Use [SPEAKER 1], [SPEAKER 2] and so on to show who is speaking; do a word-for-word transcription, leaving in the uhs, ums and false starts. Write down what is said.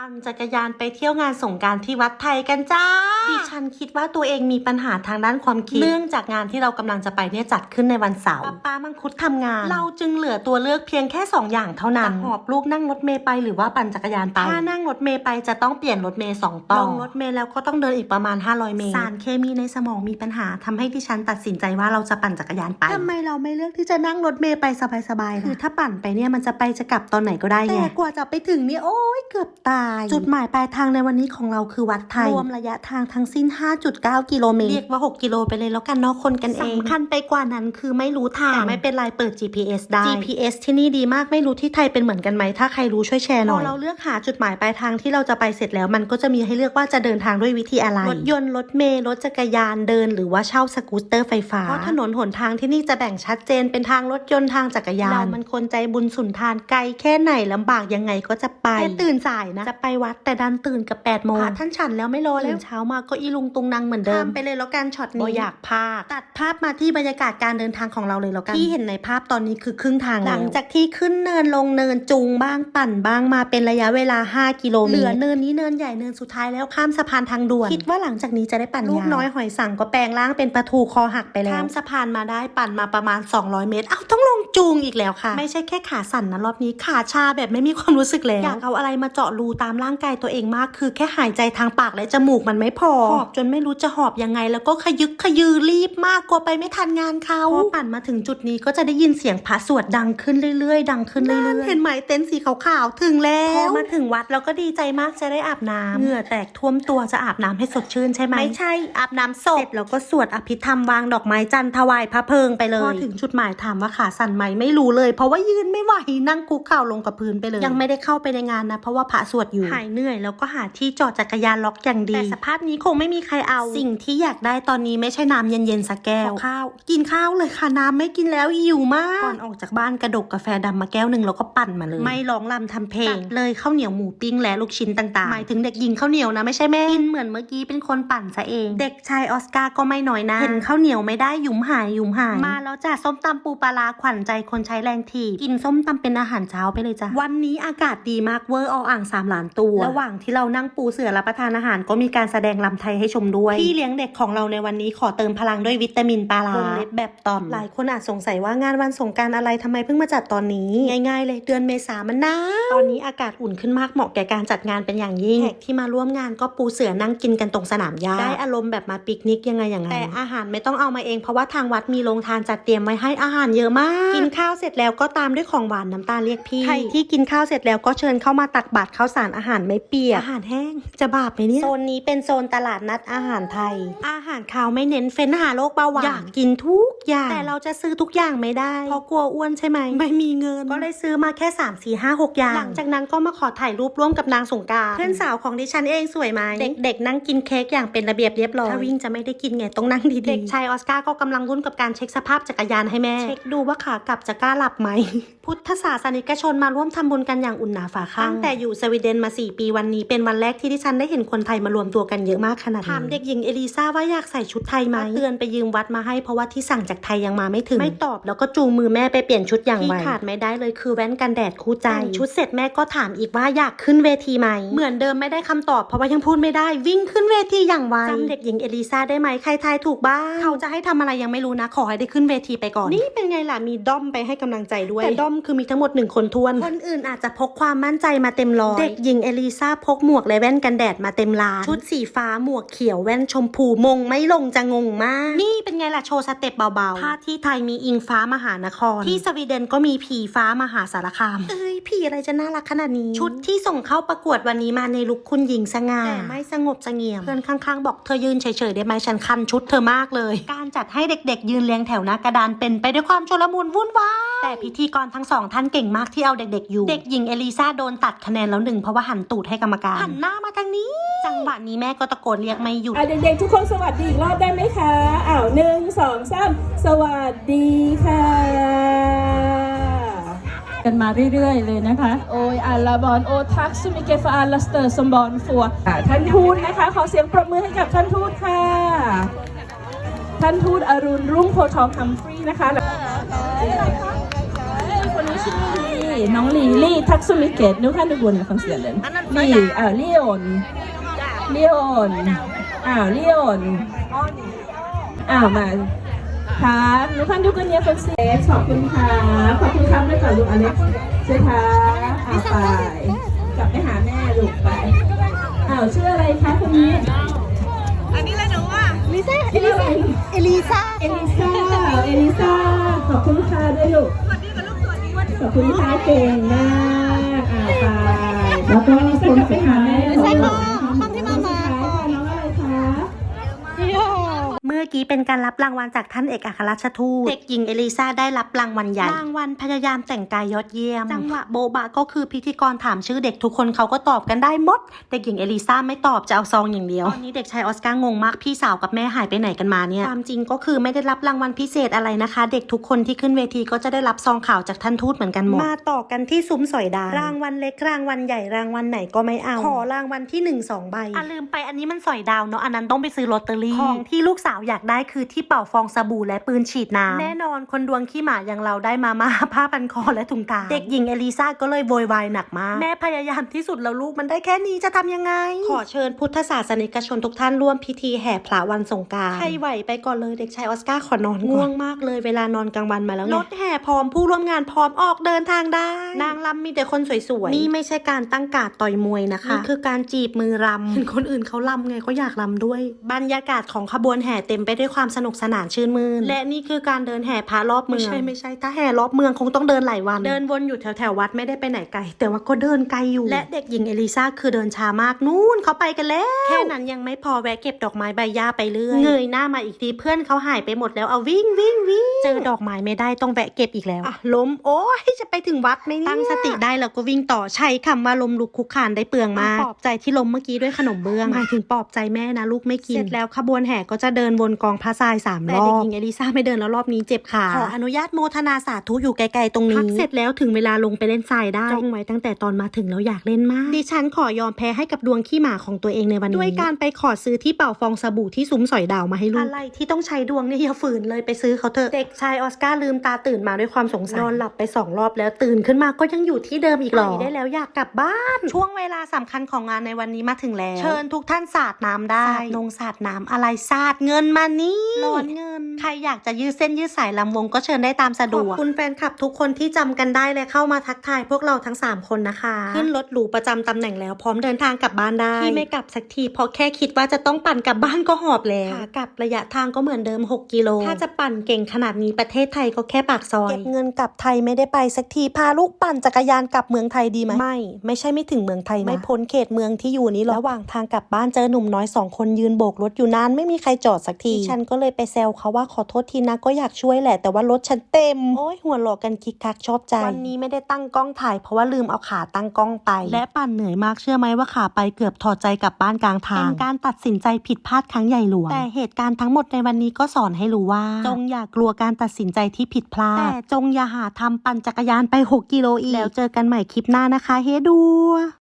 [SPEAKER 1] ปั่นจักรยานไปเที่ยวงานสงกรานต์ที่วัดไทยกันจ้าดิฉันคิดว่าตัวเองมีปัญหาทางด้านความคิดเนื่องจากงานที่เรากำลังจะไปเนี่ยจัดขึ้นในวันเสาร์ป้ามังคุดทำงานเราจึงเหลือตัวเลือกเพียงแค่สองอย่างเท่านั้นหอบลูกนั่งรถเมล์ไปหรือว่าปั่นจักรยานไปถ้านั่งรถเมล์ไปจะต้องเปลี่ยนรถเมล์สองต่อลงรถเมล์แล้วก็ต้องเดินอีกประมาณห้าร้อยเมตรสารเคมีในสมองมีปัญหาทำให้ดิฉันตัดสินใจว่าเราจะปั่นจักรยานไปทำไมเราไม่เลือกที่จะนั่งรถเมล์ไปสบายๆคือถ้าปั่นไปเนี่ยมันจะไปจะกลับตอนไหนก็ได้ไงแต่กว่าจะไปถึงเนี่ยโอ๊ยเกือบตายจุดหมายปลายทางในวันนี้ของเราคือวัดไทยรวมระยะทางทั้งสิ้น ห้าจุดเก้า กิโลเมตรเรียกว่าหกกิโลไปเลยแล้วกันเนาะคนกันเองสำคัญไปกว่านั้นคือไม่รู้ทางแต่ไม่เป็นไรเปิด จี พี เอส ได้ จี พี เอส ที่นี่ดีมากไม่รู้ที่ไทยเป็นเหมือนกันไหมถ้าใครรู้ช่วยแชร์หน่อยพอเราเลือกหาจุดหมายปลายทางที่เราจะไปเสร็จแล้วมันก็จะมีให้เลือกว่าจะเดินทางด้วยวิธีอะไรรถยนต์รถเมล์รถจักรยานเดินหรือว่าเช่าสกูตเตอร์ไฟฟ้าเพราะถนนหนทางที่นี่จะแบ่งชัดเจนเป็นทางรถยนต์ทางจักรยานเรามันคนใจบุญสุนทานไกลแค่ไหนลำบากยังไงก็จะไปแต่ตื่นสายนะจะไปวัดแต่ดันตื่นกับแปดโมงท่านฉันแล้วไม่รอแล้วเช้ามาก็อีลุงตุงนางเหมือนเดิมไปเลยแล้วกันช็อตนี้อยากพากตัดภาพมาที่บรรยากาศการเดินทางของเราเลยแล้วกันที่เห็นในภาพตอนนี้คือครึ่งทางหลังจากที่ขึ้นเนินลงเนินจูงบ้างปั่นบ้างมาเป็นระยะเวลาห้ากิโลเมตรเหลือเนินนี้เนินใหญ่เนินสุดท้ายแล้วข้ามสะพานทางด่วนคิดว่าหลังจากนี้จะได้ปั่นลูกน้อยหอยสังก็แปลงร่างเป็นปลาทูคอหักไปแล้วข้ามสะพานมาได้ปั่นมาประมาณสองร้อยเมตรเอ้าต้องลงจูงอีกแล้วค่ะไม่ใช่แค่ขาสั่นนะรอบนี้ขาชาแบบไม่มีความรู้สึกแล้วอยากเอาอะไรมาเจาะรูตามร่างกายตัวเองมากคือแค่หายใจทางปากและจมูกมันไม่พอหอบจนไม่รู้จะหอบยังไงแล้วก็ขยึกขยือรีบมากกลัวไปไม่ทันงานเขาพอปั่นมาถึงจุดนี้ก็จะได้ยินเสียงพระสวดดังขึ้นเรื่อยๆดังขึ้นเรื่อยๆเห็นไหมเต็นท์สีขาวๆถึงแล้วพอมาถึงวัดเราก็ดีใจมากจะได้อาบน้ำเหงื่อแตกท่วมตัวจะอาบน้ำให้สดชื่นใช่ไหมไม่ใช่อาบน้ำศพเสร็จแล้วก็สวดอภิธรรมวางดอกไม้จันทร์ถวายพระเพลิงไปเลยพอถึงจุดหมายถามว่าขาสั่นไหมไม่รู้เลยเพราะว่ายืนไม่ไหวนั่งคุกเข่าลงกับพื้นไปเลยยังไม่ได้เข้าไปในงานนะเพราะว่าพระสวดอยู่หายเหนื่อยแล้วก็หาที่จอดจักรยานล็อกอย่างดีแต่สภาพนี้คงไม่มีใครเอาสิ่งที่อยากได้ตอนนี้ไม่ใช่น้ำเย็นๆสักแก้วข้าวกินข้าวเลยค่ะน้ำไม่กินแล้วหิวมากก่อนออกจากบ้านกระดกกาแฟดำมาแก้วหนึ่งแล้วก็ปั่นมาเลยไม่ร้องรำทำเพลงเลยข้าวเหนียวหมูปิ้งและลูกชิ้นต่างๆหมายถึงเด็กหญิงข้าวเหนียวนะไม่ใช่แม่กินเหมือนเมื่อกี้เป็นคนปั่นซะเองเด็กชายออสการ์ก็ไม่น้อยนะเห็นข้าวเหนียวไม่ได้หยุมหายหยุมหายมาแล้วจ้ะส้มตำปูปลาร้าขวัญใจคนใช้แรงทีกินส้มตำเป็นอาหารเช้าไปเลยจ้ะวันนี้อากาศดีมากเวอร์เอาอ่างสามล้านตัวระหว่างที่เรานั่งปูเสื่อรับประทานอาหารก็มีการแสดงรำไทยให้ชมด้วยพี่เลี้ยงเด็กของเราในวันนี้ขอเติมพลังด้วยวิตามินปลาร้าวงเล็บแบบตอนหลายคนอาจสงสัยว่างานวันสงกรานต์อะไรทำไมเพิ่งมาจัดตอนนี้ง่ายๆเลยเดือนเมษามันหนาวตอนนี้อากาศอุ่นขึ้นมากเหมาะแก่การจัดงานเป็นอย่างยิ่งแขกที่มาร่วมงานก็ปูเสื่อนั่งกินกันตรงสนามหญ้าได้อารมณ์แบบมาปิกนิกยังไงอย่างนั้นแต่อาหารไม่ต้องเอามาเองเพราะว่าทางวัดมีโรงทานจัดเตรียมไว้ให้อาหารเยอะมากกินข้าวเสร็จแล้วก็ตามด้วยของหวานน้ำตาลเรียกพี่ใครที่กินข้าวเสร็จแล้วก็เชิญเข้ามาตักบาตรข้าวสารอาหารไม่เปียกอาหารแห้งจะบาปไหมเนี่ยโซนนี้เป็นโซนตลาดนัดอาหารไทยอาหารคาวไม่เน้นเฟ้นหาโรคเบาหวานอยากกินทุกอย่างแต่เราจะซื้อทุกอย่างไม่ได้เพราะกลัวอ้วนใช่ไหมไม่มีเงินก็เลยซื้อมาแค่สาม สี่ ห้า หกอย่างหลังจากนั้นก็มาขอถ่ายรูปร่วมกับนางสงกรานต์เพื่อนสาวของดิฉันเองสวยไหมเด็กๆนั่งกินเค้กอย่างเป็นระเบียบเรียบร้อยถ้าวิ่งจะไม่ได้กินไงต้องนั่งดีๆเด็กชายออสการ์ก็กำลังรุ่นกับการเช็คสภาพจักรยานให้แม่เช็คดูว่าขากลับจะกล้าหลับไหมพุทธศาสนิกชนมาร่วมทำบุญกันอย่างอุ่นหนาฝาข้างตั้งแต่อยู่สวีเดนมาสี่ปีวันนี้เป็นวันแรกที่ดิฉันได้เห็นคนไทยมารวมตัวกันเยอะมากขนาดนี้ถามเด็กหญิงเอลิซาว่าอยากใส่ชุดไทยไหมเตือนไปยืมวัดมาให้เพราะว่าที่สั่งจากไทยยังมาไม่ถึงไม่ตอบแล้วก็จูงมือแม่ไปเปลี่ยนชุดอย่างไวที่ขาดไม่ได้เลยคือแว่นกันแดดคู่ใจชุดเสร็จแม่ก็ถามอีกว่าอยากขึ้นเวทีไหมเหมือนเดิมไม่ได้คำตอบเพราะว่ายังพูดไม่ได้วิ่งขึ้นเวทีอย่างไวจำเด็กหญิงเอลิซาได้ไหมใครทายถูกบ้างเขาจะให้ทำอะไรยังไม่รู้นะขอให้ได้ขึ้นเวทีไปก่อนนี่เป็นไงล่ะมีด้อมไปให้กำลังใจด้วยแต่ด้อมคือมีทั้งหมดหนึ่งคนทวนคนอื่นอาจจะพกความมั่นใจมาเต็มร้อยเด็กหญิงเอลิซาพกหมวกและแว่นกันแดดมาเต็มร้านชุดสีฟ้าหมวกเขียวแว่นชมพูมงไม่ลงจะงงมากนี่เป็นไงล่ะโชว์สเต็ปเบาๆถ้าที่ไทยมีอิงฟ้ามหานครที่สวีเดนก็มีผีฟ้ามหาสารคามเอ้ยผีอะไรจะน่ารักขนาดนี้ชุดที่ส่งเข้าประกวดวันนี้มาในลุคคุณหญิงสง่าแต่ไม่สงบเสงี่ยมเพื่อนข้างๆบอกเธอยืนเฉยๆได้ไหมฉันคันชุดเธอมากเลยการจัดให้เด็กๆยืนเรียงแถวหน้ากระดานเป็นไปด้วยความโชลมุนวุ่นวายแต่พิธีกรทั้งสองท่านเก่งมากที่เอาเด็กๆอยู่เด็กหญิงเอลิซาโดนตัดคะแนนแล้วหนึ่งเพราะว่าหันตูดให้กรรมการหันหน้ามาทางนี้จังหวะนี้แม่ก็ตะโกนเรียกไม่หยุด
[SPEAKER 2] เด็กๆทุกคนสวัสดีอีกรอบได้ไหมคะอ้าวหนึ่งสองสามสวัสดีค่ะกันมาเรื่อยๆเลยนะคะโอ้ยอัลลาบอนโอทักซูมิเกฟอัลลัสเตอร์สมบอนฟัวท่านทูตนะคะขอเสียงปรบมือให้กับท่านทูตค่ะท่านทูตอรุณรุ่งโพทองฮัมฟรีย์นะคะคนนี้ชื่อน้องลีลี่ทักซุมิเกตนุค่ะนุบุญฟังเสียงเลยลี่อ่าลีโอนลีโอนอ้าวลีโอนอ้าวมาครับนุค่ะนุกันเนี่ยฟังเสียงขอบคุณค่ะขอบคุณครับด้วยก่อนลูกอเล็กซ์ใช่ค่ะอ้าวไปกลับไปหาแม่ลูกไปอ้าวชื่ออะไรคะคนนี้อันนี้เลยหนูอ่ะลิซ่าเอลิซ่าเอลิซ่าเอลิซ่าเอลิซ่าขอบคุณค่ะด้วยลูกสวัสดีกับลูกสวัสดีวันขอบคุณค่ะเก่งมากอ่าไปแล้วก็คนไปหาแม่ใช่ค่ะคำที่มามาน้องอะไรคะ
[SPEAKER 1] เมื่อกี้เป็นการรับรางวัลจากท่านเอกอัครราชทูตเด็กหญิงเอลิซาได้รับรางวัลใหญ่รางวัลพยายามแต่งกายยอดเยี่ยมจังหวะโบบะก็คือพิธีกรถามชื่อเด็กทุกคนเขาก็ตอบกันได้หมดเด็กหญิงเอลิซาไม่ตอบจะเอาซองอย่างเดียวตอนนี้เด็กชายออสการ์งงมากพี่สาวกับแม่หายไปไหนกันมาเนี่ยความจริงก็คือไม่ได้รับรางวัลพิเศษอะไรนะคะเด็กทุกคนที่ขึ้นเวทีก็จะได้รับซองข่าวจากท่านทูตเหมือนกันหมดมาต่อกันที่ซุ้มสอยดาวรางวัลเล็กรางวัลใหญ่รางวัลไหนก็ไม่เอาขอรางวัลที่หนึ่ง สองใบอ่ะลืมไปอันนี้มันสอยดาวเนาะอันนั้นต้องไปซื้อลอตเตอรี่ของที่ลูกสาวอยากได้คือที่เป่าฟองสบู่และปืนฉีดน้ำแน่นอนคนดวงขี้หมาอย่างเราได้มาม่าผ้าพันคอและถุงเท้าเด็กหญิงเอลิซาก็เลยโวยวายหนักมากแม่พยายามที่สุดแล้วลูกมันได้แค่นี้จะทำยังไงขอเชิญพุทธศาสนิกชนทุกท่านร่วมพิธีแห่พระวันสงกรานต์ใครไหวไปก่อนเลยเด็กชายออสการ์ขอนอนง่วงมากเลยเวลานอนกลางวันมาแล้วรถแห่พร้อมผู้ร่วมงานพร้อมออกเดินทางได้นางรำมีแต่คนสวยๆนี่ไม่ใช่การตั้งการ์ดต่อยมวยนะคะนี่คือการจีบมือรำเห็นคนอื่นเขารำไงก็อยากรำด้วยบรรยากาศของขบวนแห่เต็มไปด้วยความสนุกสนานชื่นมื่นและนี่คือการเดินแห่พระรอบเมืองไม่ใช่ไม่ใช่ถ้าแห่รอบเมืองคงต้องเดินหลายวันเดินวนอยู่แถวแถววัดไม่ได้ไปไหนไกลแต่ว่าก็เดินไกลอยู่และเด็กหญิงเอลิซาคือเดินช้ามากนู่นเขาไปกันแล้วแค่นั้นยังไม่พอแวะเก็บดอกไม้ใบหญ้าไปเรื่อยเงยหน้ามาอีกทีเพื่อนเขาหายไปหมดแล้วเอาวิ่งวิ่งวิ่งเจอดอกไม้ไม่ได้ต้องแวะเก็บอีกแล้วอ่ะล้มโอ้ยจะไปถึงวัดไหมเนี่ยตั้งสติได้แล้วก็วิ่งต่อใช้คำว่าล้มลุกคุกคานได้เปลืองมากปลอบใจที่ล้มเมื่อกี้ด้วยขนมเบื้องหมายถึงปลอบใจแม่นะลูกไม่กินเสร็จแล้วขบวนแห่ก็จะเดินวนกองพระทรายสามรอบแต่เด็กหญิงเอลิซาไม่เดินแล้วรอบนี้เจ็บขาขออนุญาตโมทนาสาธุอยู่ไกลๆตรงนี้พักเสร็จแล้วถึงเวลาลงไปเล่นทรายได้จ้องไว้ตั้งแต่ตอนมาถึงแล้วอยากเล่นมากดิฉันขอยอมแพ้ให้กับดวงขี้หมาของตัวเองในวันนี้ด้วยการไปขอซื้อที่เป่าฟองสบู่ที่ซุ้มสอยดาวมาให้ลูกอะไรที่ต้องใช้ดวงเนี่ยอย่าฝืนเลยไปซื้อเขาเถอะเด็กชายออสการ์ลืมตาตื่นมาด้วยความสงสัยนอนหลับไปสองรอบแล้วตื่นขึ้นมาก็ยังอยู่ที่เดิมอีกหรอได้แล้วอยากกลับบ้านช่วงเวลาสำคัญของงานในวันนี้มาถึงแล้วเชิญทุกท่านสาดน้ำได้สาดนงสาดน้ำอะไรสาดเงินมานี่ร้อนเงินใครอยากจะยืดเส้นยืดสายลำวงก็เชิญได้ตามสะดวกขอบคุณแฟนคลับทุกคนที่จำกันได้และเข้ามาทักทายพวกเราทั้งสามคนนะคะขึ้นรถหรูประจำตำแหน่งแล้วพร้อมเดินทางกลับบ้านได้ที่ไม่กลับสักทีเพราะแค่คิดว่าจะต้องปั่นกลับบ้านก็หอบแล้วขากลับระยะทางก็เหมือนเดิมหกกิโลถ้าจะปั่นเก่งขนาดนี้ประเทศไทยก็แค่ปากซอยเก็บเงินกลับไทยไม่ได้ไปสักทีพาลูกปั่นจักรยานกลับเมืองไทยดีไหมไม่ไม่ใช่ไม่ถึงเมืองไทยนะไม่พ้นเขตเมืองที่อยู่นี้หรอกระหว่างทางกลับบ้านเจอหนุ่มน้อยสองคนยืนโบกรถอยู่นานไม่มีใครจอดสักทีฉันก็เลยไปแซวเขาว่าขอโทษทีนะก็อยากช่วยแหละแต่ว่ารถฉันเต็มโอ้ยหัวหลอกกันคิกคักชอบใจวันนี้ไม่ได้ตั้งกล้องถ่ายเพราะว่าลืมเอาขาตั้งกล้องไปและปั่นเหนื่อยมากเชื่อไหมว่าขาไปเกือบถอดใจกลับบ้านกลางทางเป็นการตัดสินใจผิดพลาดครั้งใหญ่หลวงแต่เหตุการณ์ทั้งหมดในวันนี้ก็สอนให้รู้ว่าจงอย่ากลัวการตัดสินใจที่ผิดพลาดแต่จงอย่าหาทำปั่นจักรยานไปหกกิโลอีกแล้วเจอกันใหม่คลิปหน้านะคะเฮดู